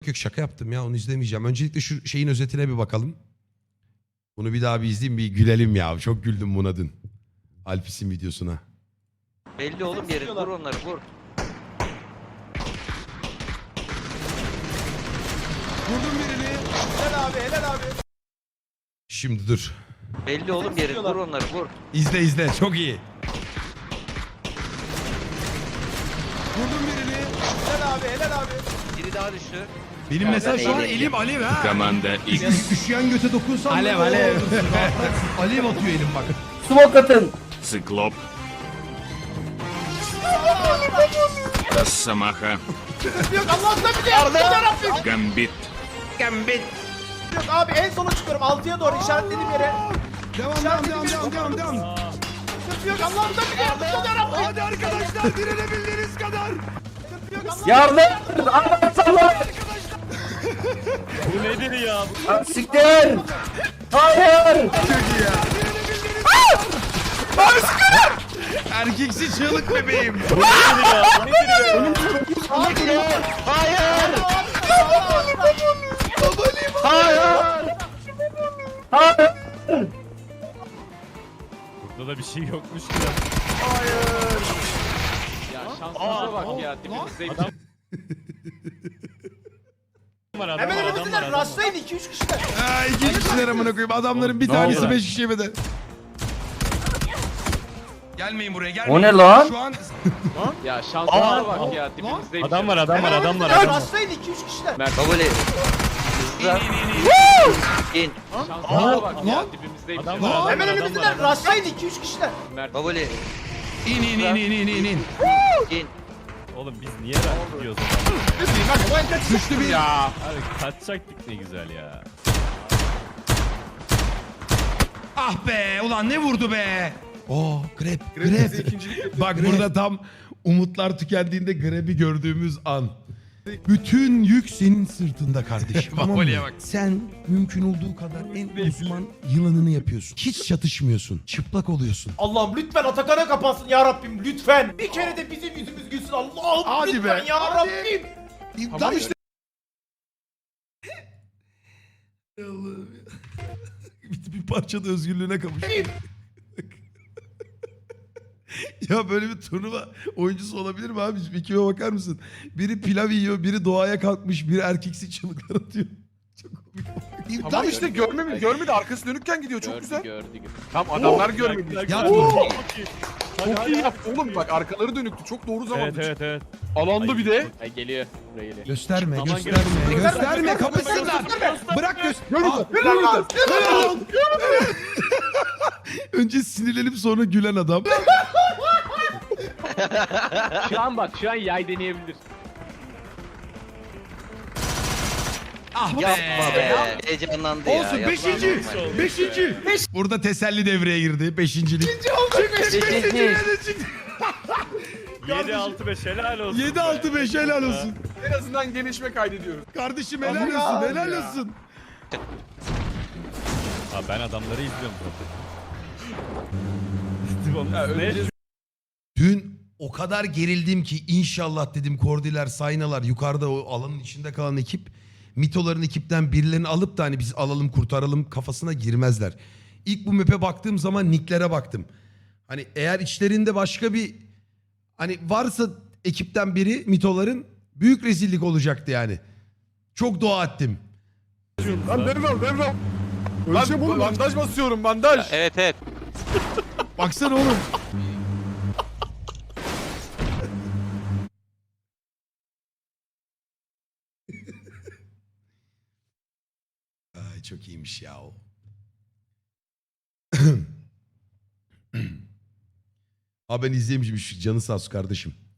Yok şaka yaptım ya, onu izlemeyeceğim. Öncelikle şu şeyin özetine bir bakalım. Bunu bir daha bir izleyeyim, bir gülelim ya. Çok güldüm buna dün. Alpis'in videosuna. Belli oğlum yeri. Vur onları vur. Vurdum birini. Helal abi, helal abi. Şimdi dur. Belli oğlum yeri. Vur onları vur. İzle çok iyi. Vurdum birini. Helal abi, helal abi. Biri daha düştü. Benim mesela şu an elim alev ha. Команда X. Üşüyen göte dokunsam alev alev. Alev atıyor elim bak. Smoke atın. Циклоп. Росомаха. Yok Allah'tan bir de yarabbim. Гамбит. Yok abi en sona çıkıyorum. 6'ya doğru işaretlediğim yere. Devam. Sıkıntı yok Allah'tan bir de yarabbim. Hadi arkadaşlar, direnebildiğiniz kadar. Sıkıntı yok Yardım. Anlatsana. Bu nedir ya? Siktir. Hayır. Erkeksi çığlık bebeğim. Bu nedir ya? Bu nedir ya? Hayır. Burada da bir şey yokmuş ki. Ya şansınıza bak ya dibimizdeymiş. Adam var, adam Hemen var, adam var, önümüzdeler. adam var. Rastlayın 2-3 kişiler. Ha, iki kişiler amına koyayım. Adamların bir Ne tanesi oldu? 5 kişiye bedel. Gelmeyin buraya, gelmeyin. O ne lan? Şu an Ya şansınıza bak ya dibimizdeymiş. Adam var, adam var, Hemen adam var, önümüzdeler. adam var. Rastlayın 2-3 kişiler. Baboli. Hızlı. İn. Şansınıza bak ya dibimizdeymiş. Adam var, adam var, Hemen adam var, önümüzdeler. adam var. Rastlayın 2-3 kişiler. Baboli. in. İn. Oğlum biz niye rahat gidiyoruz o zaman? Düştü bir. Abi kaçacaktık ne güzel ya. Ah be, ulan ne vurdu be. Oo, grab. Bak burada tam umutlar tükendiğinde grab'i gördüğümüz an. Bütün yük senin sırtında kardeşim. Tamam mı? Sen mümkün olduğu kadar en uzman yılanını yapıyorsun. Hiç çatışmıyorsun. Çıplak oluyorsun. Allah'ım lütfen Atakan'a kapansın ya Rabbim lütfen. Bir kere de bizim yüzümüz gülsün Allah'ım Hadi lütfen be, ya hadi. Rabbim. Tam işte. bir parça da özgürlüğüne kavuş. Ya böyle bir turnuva oyuncusu olabilir mi abi? Bir kime bakar mısın? Biri pilav yiyor, biri doğaya kalkmış, biri erkeksi çığlıklar atıyor. Çok komik. Tamam işte görmedi arkası dönükken gidiyor çok güzel. Gördü. Tamam adamlar görmedi. Ya Çok iyi yaptı oğlum bak arkaları dönüktü çok doğru zamanda. Evet. Alanda bir de. Ay geliyor. Buraya geliyor. gösterme, Aman gösterme kapısınlar. Bırak göster. Önce sinirlenip sonra gülen adam. Şu an yay deneyebilir. Ah Yapma be. Heyecanlandı ya. Olsun, yapma. beşinci. Burada teselli devreye girdi. Beşincilik. 7-6-5 helal olsun. 7-6-5 helal olsun. En azından gelişme kaydediyoruz. Kardeşim helal olsun, helal olsun. Abi ben adamları izliyorum zaten. Ya, Ne? öleceğiz. Dün o kadar gerildim ki inşallah dedim Kordiler, Saynalar, yukarıda o alanın içinde kalan ekip mitoların ekipten birilerini alıp da hani biz alalım kurtaralım kafasına girmezler. İlk bu map'e baktığım zaman nicklere baktım. Hani eğer içlerinde başka bir hani varsa ekipten biri mitoların büyük rezillik olacaktı yani. Çok dua ettim. Lan devral. Lan bandaj basıyorum bandaj. Evet. Baksana oğlum. Ay çok iyiymiş ya o. Abi ben izleyemişim, canı sağ olsun kardeşim.